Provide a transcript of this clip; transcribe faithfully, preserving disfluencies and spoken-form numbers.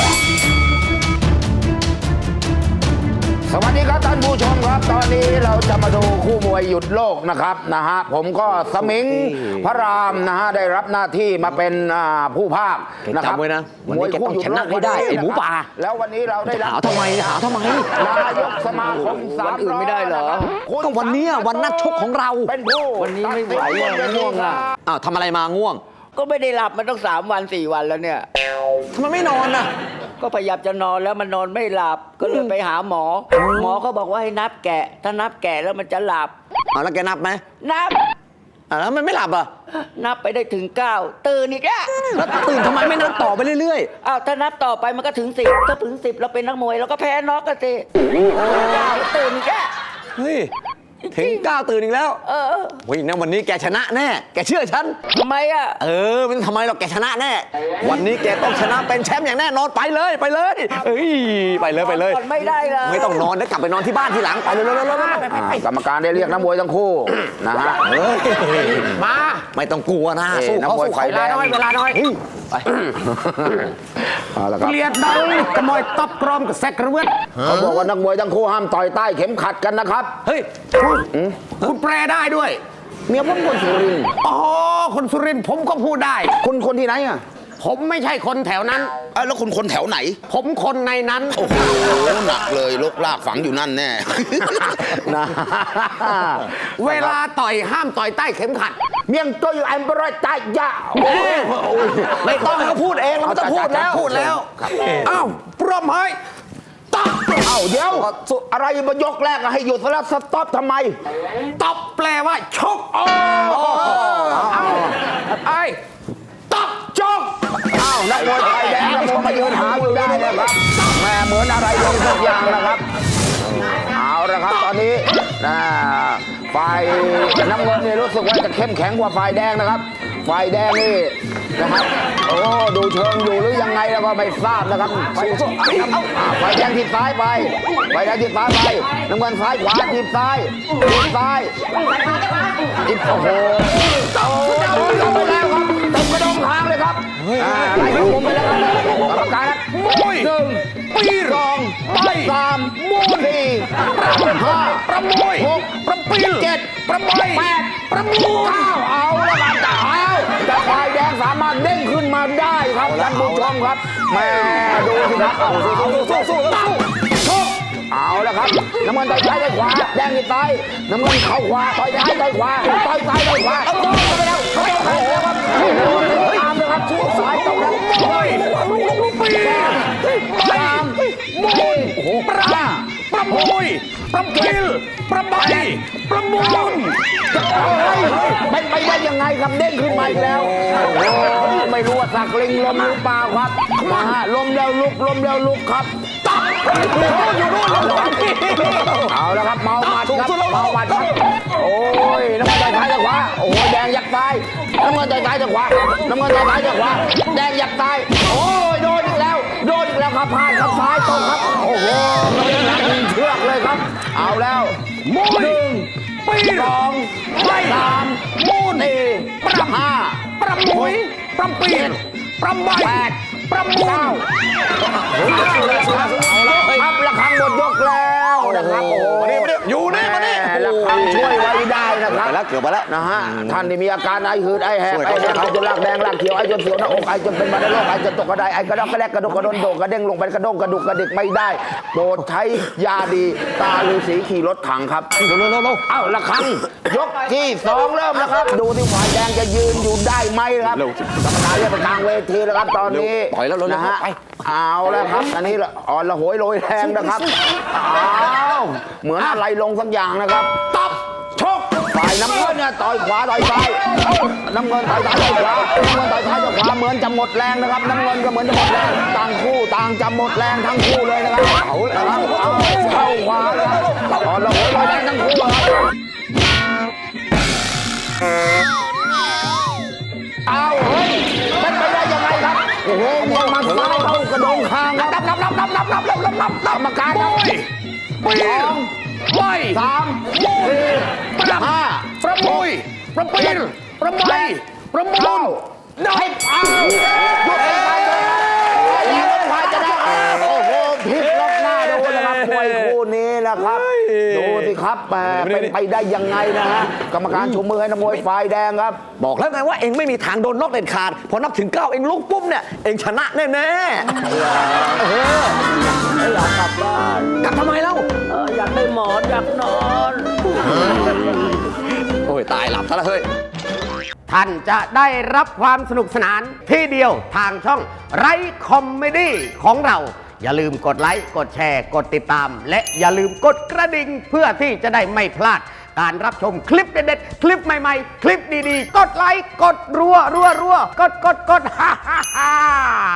สวัสดีครับท่านผู้ชมครับตอนนี้เราจะมาดูคู่มวยหยุดโลกนะครับนะฮะผมก็สมิงพระรามนะฮะได้รับหน้าที่มาเป็นผู้ภาคนะครับจำไว้นะวันนี้แกต้องชนะให้ได้ไอ้หมูป่าแล้ววันนี้เราได้รับหาทำไมหาทำไมนายกสมาคมสามวันอื่นไม่ได้เหรอก็วันนี้วันนัดชกของเราเป็นผู้วันนี้ไม่ไหวอ่ะง่วงอ่ะอ้าวทำอะไรมาง่วงก็ไม่ได้หลับมาตั้งสามวันสี่วันแล้วเนี่ยทำไมไม่นอนอ่ะก็พยายามจะนอนแล้วมันนอนไม่หลับก็เลยไปหาหมอ หมอเขาบอกว่าให้นับแกะถ้านับแกะแล้วมันจะหลับอ้าวแล้วแกนับไหมนับอ่าแล้วมันไม่หลับอ่ะนับไปได้ถึงเก้าตื่นอีกแล้วแล้วตื่นทำไมไม่นับต่อไปเรื่อยๆอ้าวถ้านับต่อไปมันก็ถึงสิบถ้าถึงสิบเราเป็นนักมวยเราก็แพ้น็อกกันสิเก้าตื่นอีกแล้วเฮ้ยถึงเก้าตื่นอีกแล้วเออเฮ้ยนะวันนี้แกชนะแน่แกเชื่อฉันทำไมอ่ะเออมันทำไมหรอกแกชนะแน่วันนี้แกต้องชนะเป็นแชมป์อย่างแน่นอนไปเลยไปเลยเอ้ยไปเลยไปเลยไม่ได้เลยไม่ต้องนอนนะกลับไปนอนที่บ้านทีหลังไปเลยๆกรรมการได้เรียกนักมวยทั้งคู่นะฮะมาไม่ต้องกลัวนะสู้เขาสู้เวลาน้อยเวลาน้อยไปเกลียดดังกระมอยตับกรอมกับแซกกระเวทเขาบอกว่านักมวยทั้งคู่ห้ามต่อยใต้เข็มขัดกันนะครับเฮ้ยคุณแปลได้ด้วยเมียผมคนสุรินทร์อ๋อคนสุรินทร์ผมก็พูดได้คุณคนที่ไหนอ่ะผมไม่ใช่คนแถวนั้นแล้วคุณคนแถวไหนผมคนในนั้นโอ้โหหนักเลยลกลากฝังอยู่นั่นแน่นะเวลาต่อยห้ามต่อยใต้เข็มขัดเมียงตัวอยู่อันบรอยตายยาไม่ต้องให้เขาพูดเองเราไม่ต้องพูดแล้วพูดแล้วอ้าวปรบมือตับเอ้าเดี๋ยวอะไรมายกแรกให้หยุดแล้วสต็อปทำไมตับแปลว่าชกโอ้เอ้าไอ้ตับชกอ้าวนักมวยไทยแดงนักมวยมายืนหาอยู่ได้นะครับแม่เหมือนอะไรลงสักอย่างนะครับเอาละครับตอนนี้นะฝ่ายน้ำเงินนี่รู้สึกว่าจะเข้มแข็งกว่าฝ่ายแดงนะครับฝ่ายแดงนี่นะครับโอ้ดูเชิงอยู่หรือยังไงแล้วก็ไม่ทราบนะครับฝ่ายฝ่ายแดงทีซ้ายไปฝ่ายแดงทีซ้ายไปน้ำเงินซ้ายขวาทีซ้ายทีซ้ายทีโอ้โหโอ้ยลงไปแล้วครับเต็มกระดองทางเลยครับอ่าไล่ผมไปแล้วครับกรรมการครับหนึ่งปีสองไปสามมูสี่ห้าประมวยหกประปีเจ็ดประมวยแปดประมูเก้าเอาแล้วกันแต่เอาแต่ฝ่ายแดงสามารถเด้งขึ้นมาได้ครับท่านผู้ชมครับแม่ดูสิครับเอาสู้สู้สู้สู้สู้สู้เอาแล้วครับน้ำเงินต่อยซ้ายต่อยขวาแดงติดซ้ายน้ำเงินเข่าขวาต่อยซ้ายต่อยขวาต่อยซ้ายต่อยขวาเอาโดนไปแล้วโดนไปแล้วครับตามเลยครับสู้สายตรงนั้นโอ้ยปีตามมูลประประมวยประปิลประใบประมูลเป็นไปได้ยังไงครับเด้งขึ้นมาอีกแล้วไม่รู้ว่าสักลิงลมหรือเปล่าครับมาฮะลมแล้วลุกลมแล้วลุกครับตับอยู่นู่นเอาแล้วครับเมาหมัดครับเมาหมัดครับโอ้ยน้ำเงินต่อยซ้ายต่อยขวาโอ้ยแดงยักซ้ายน้ำเงินต่อยซ้ายต่อยขวาน้ำเงินต่อยซ้ายต่อยขวาแดงยักซ้ายโอ้ยโดนอีกแล้วโดนอีกแล้วครับพลาดครับซ้ายตรงครับโอ้โหยิงเชือกเลยครับเอาแล้วมูหนึ่งปีสองสามมูสี่ประห้าประมุยประปีประใบแปดประมูลครับระฆังหมดยกแล้วนะครับโอ้โหอยู่นี่มานี่ระฆังช่วยไว้ได้นะครับไปแล้วเกือบไปแล้วนะฮะท่านที่มีอาการไอหืดไอแหบไอแหบไอจนลากแดงลากเขียวไอจนเสียวหน้าอกไอจนเป็นบันไดโรคไอจนตกกระไดไอกระดกกระแดกกระดกกระดนโดกระเด้งลงไปกระด้งกระดุกกระดิกไม่ได้โปรดใช้ยาดีตาฤาษีขี่รถถังครับเร็วเร็วเร็วเอ้าระฆังยกที่สองเริ่มแล้วครับดูที่ฝ่ายแดงจะยืนอยู่ได้ไหมครับกรรมการเรียกไปกลางเวทีแล้วครับตอนนี้ปล่อยแล้วนะฮะเอาแล้วครับอันนี้อ่อนละโหยโรยแรงนะครับอ้าวเหมือนอะไรลงสักอย่างนะครับตับชกฝ่ายน้ำเงินเนี่ยต่อยขวาต่อยซ้ายน้ำเงินต่อยซ้ายต่อยขวาน้ำเงินต่อยซ้ายต่อยขวาเหมือนจะหมดแรงนะครับน้ำเงินก็เหมือนจะหมดแรงต่างคู่ต่างจะหมดแรงทั้งคู่เลยนะครับเอาแล้วครับเอาเข้าขวาแล้วอ่อนละโหยโรยแรงทั้งคู่ครับเอาเฮ้ยเป็นไปได้ยังไงครับโอ้โหมันมาซ้ายเข้ากระโดงคางครับนับนับนับนับนับนับนับนับนับกรรมการครับสองไปสามสี่ประห้าประมุยประปีนประใบประมูลได้เอาหยุดไปเลยแล้วฝ่ายจะได้ล่ะครับดูสิครับแหมเป็นไปได้ยังไงนะฮะกรรมการชูมือให้นักมวยฝ่ายแดงครับบอกแล้วไงว่าเองไม่มีทางโดนนอกเด็ดขาดพอนับถึงเก้าเองลุกปุ๊บเนี่ยเองชนะแน่แน่ไม่อยากกลับบ้านกลับทำไมเล่าเอออยากได้หมอนอยากนอนโอ้ยตายหลับซะแล้วเฮ้ยท่านจะได้รับความสนุกสนานที่เดียวทางช่องไรคอมเมดี้ของเรา อย่าลืมกดไลค์ กดแชร์ กดติดตาม และอย่าลืมกดกระดิ่งเพื่อที่จะได้ไม่พลาด การรับชมคลิปเด็ดๆ คลิปใหม่ๆ คลิปดีๆ กดไลค์ กดรัวรัวรัวกดกดกดฮ่าฮ่าฮ่า